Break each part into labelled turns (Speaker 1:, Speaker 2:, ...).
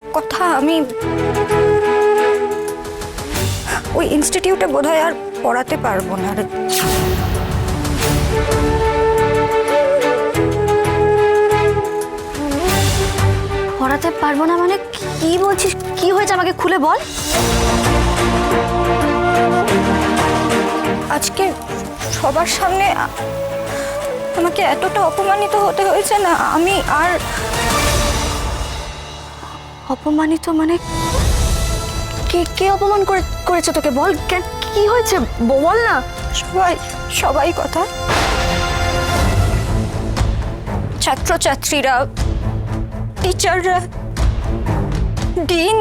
Speaker 1: কথা আমি ওই ইনস্টিটিউটে বোধহয় আর পড়াতে পারবো না রে।
Speaker 2: পড়াতে পারবো না মানে কি বলছিস? কি হয়েছে আমাকে খুলে বল।
Speaker 1: আজকে সবার সামনে আমাকে এতটা অপমানিত হতে হয়েছে না, আমি আর।
Speaker 2: অপমানিত মানে কে কে অপমান করেছে তোকে? বল কি হয়েছে বল না।
Speaker 1: সবাই কথা, ছাত্রছাত্রীরা, টিচাররা, ডিন,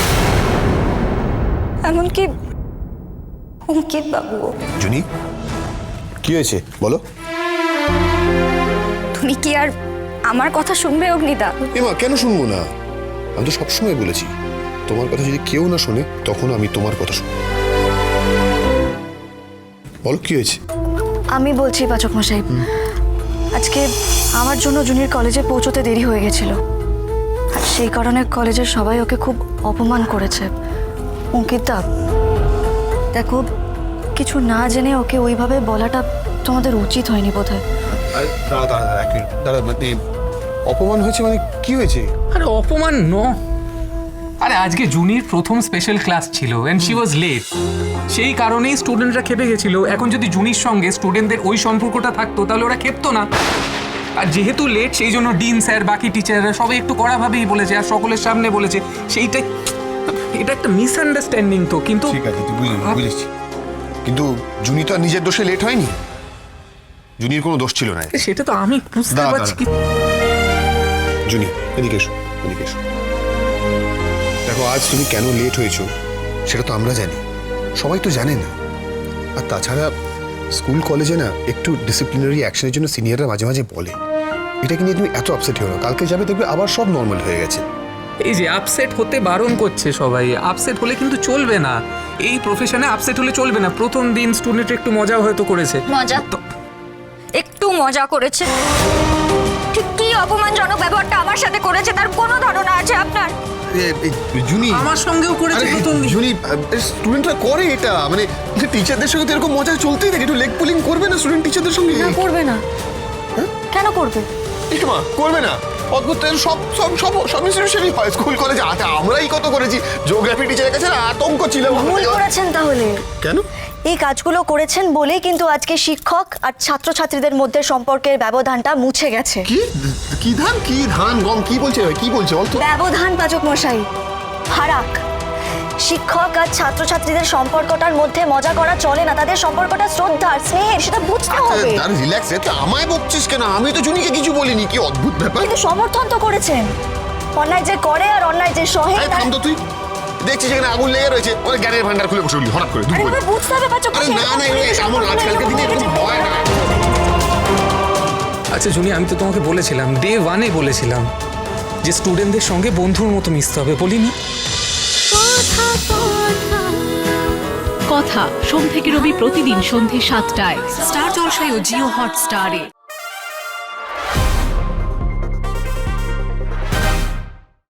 Speaker 1: এমনকি অঙ্কিত বাবু।
Speaker 3: জুনি, কি হয়েছে বলো?
Speaker 1: তুমি কি আর আমার কথা শুনবে অগ্নিদা?
Speaker 3: এমা, কেন শুনবো না? আমি তো সবসময় বলেছি তোমার কথা যদি কেউ না শোনে তখন আমি তোমার কথা শুনবো। বলো কি হয়েছে?
Speaker 2: আমি বলছি পাচক মশাই, আজকে আমার জন্য জুনির কলেজে পৌঁছতে দেরি হয়ে গেছিল, আর সেই কারণে কলেজের সবাই ওকে খুব অপমান করেছে। অঙ্কিতা দেখো, কিছু না জেনে ওকে ওইভাবে বলাটা তোমাদের উচিত হয়নি বোধহয়।
Speaker 3: দাঁড়া, মানে অপমান হয়েছে মানে কি হয়েছে?
Speaker 4: আরে অপমান আরে আজকে জুনির প্রথম স্পেশাল ক্লাস ছিল এন্ড শি ওয়াজ লেট। সেই কারণেই স্টুডেন্টরা খেপে গেছিল। এখন যদি জুনির সঙ্গে স্টুডেন্টদের ওই সম্পর্কটা থাকতো তাহলে ওরা খেপতো না। আর যেহেতু লেট সেই জন্য ডিন স্যার, বাকি টিচাররা সবাই একটু কড়াভাবেই বলেছে আর সকলের সামনে বলেছে। এটা একটা মিসআন্ডারস্ট্যান্ডিং তো। কিন্তু
Speaker 3: ঠিক আছে, বুঝেছি, কিন্তু জুনি তো আর নিজের দোষে লেট হয়নি। জুনির কোনো দোষ ছিল না।
Speaker 4: সেটা তো আমি বুঝতে পারছি।
Speaker 3: জুনি, এদিকে এসো, এদিকে এসো। দেখো, আজ তুমি কেন লেট হয়েছো সেটা তো আমরা জানি, সবাই তো জানে না। আর তাছাড়া স্কুল কলেজে না একটু ডিসিপ্লিনারি অ্যাকশনের জন্য সিনিয়ররা মাঝে মাঝে বলে। এটাকে নিয়ে তুমি এত আপসেট হও না, কালকে যাবে দেখবে আবার সব নর্মাল হয়ে গেছে।
Speaker 4: এই যে আপসেট হতে বারণ করছে সবাই, আপসেট হলে কিন্তু চলবে না। এই প্রফেশনে আপসেট হলে চলবে না। প্রথম দিন স্টুডেন্ট একটু মজাও হয়তো করেছে।
Speaker 1: মজা? একটু মজা করেছে? ঠিক কি অপমানজনক ব্যবহারটা আমার সাথে করেছে তার কোনো ধারণা আছে আপনার?
Speaker 3: জুনি
Speaker 4: আমার সঙ্গেও করেছে প্রথম দিন।
Speaker 3: জুনি, স্টুডেন্টরা করে এটা, মানে টিচারদের সঙ্গে তো এরকম মজা চলতেই থাকে। একটু লেগ পুলিং করবে না স্টুডেন্ট টিচারদের সঙ্গে?
Speaker 2: না, করবে না। কেন করবে?
Speaker 3: মা করবে না? অদ্ভুত, সব সব সব সব ইনস্টিটিউশনই হয়, স্কুল কলেজে আছে। আমরাই কত করেছি। জিওগ্রাফি টিচারের কাছে আতঙ্ক ছিল।
Speaker 2: ভুল করেছেন তাহলে।
Speaker 3: কেন?
Speaker 2: এই কাজগুলো করেছেন বলেই কিন্তু আজকে শিক্ষক আর ছাত্রছাত্রীদের মধ্যে সম্পর্কের ব্যবধানটা মুছে গেছে।
Speaker 3: কি ধান গম কি বলছে বলতো?
Speaker 2: ব্যবধান পাচক মশাই, ফারাক। শিক্ষক আর ছাত্রছাত্রীদের সম্পর্কটার মধ্যে মজা করা চলে না, তাদের সম্পর্কটা শ্রদ্ধার, স্নেহের, সেটা বুঝতে হবে।
Speaker 3: রিল্যাক্স, আমায় বকছিস কেন? আমি তো জুনিকে কিছু বলিনি। কি অদ্ভুত ব্যাপার।
Speaker 2: কিন্তু সমর্থন তো করেছেন। অন্যায় যে করে আর অন্যায় যে সহে।
Speaker 3: থাম তো তুই। দেখছিস এখানে আগুন লেগে রয়েছে, ওর জ্ঞানের ভান্ডার খুলে বসে হঠাৎ করে।
Speaker 2: বুঝতে হবে পাচক মশাই।
Speaker 3: না, এমন আজকালকার দিনে এরকম হয় না।
Speaker 4: আচ্ছা জুনি, আমি তো তোমাকে বলেছিলাম, ডে 1-এ বলেছিলাম যে স্টুডেন্টদের সঙ্গে বন্ধুর মতো মিশতে হবে, বলিনি?
Speaker 5: কথা সোম থেকে রবি প্রতিদিন সন্ধ্যে ৭টায় স্টার জলসায় ও জিও হটস্টারে।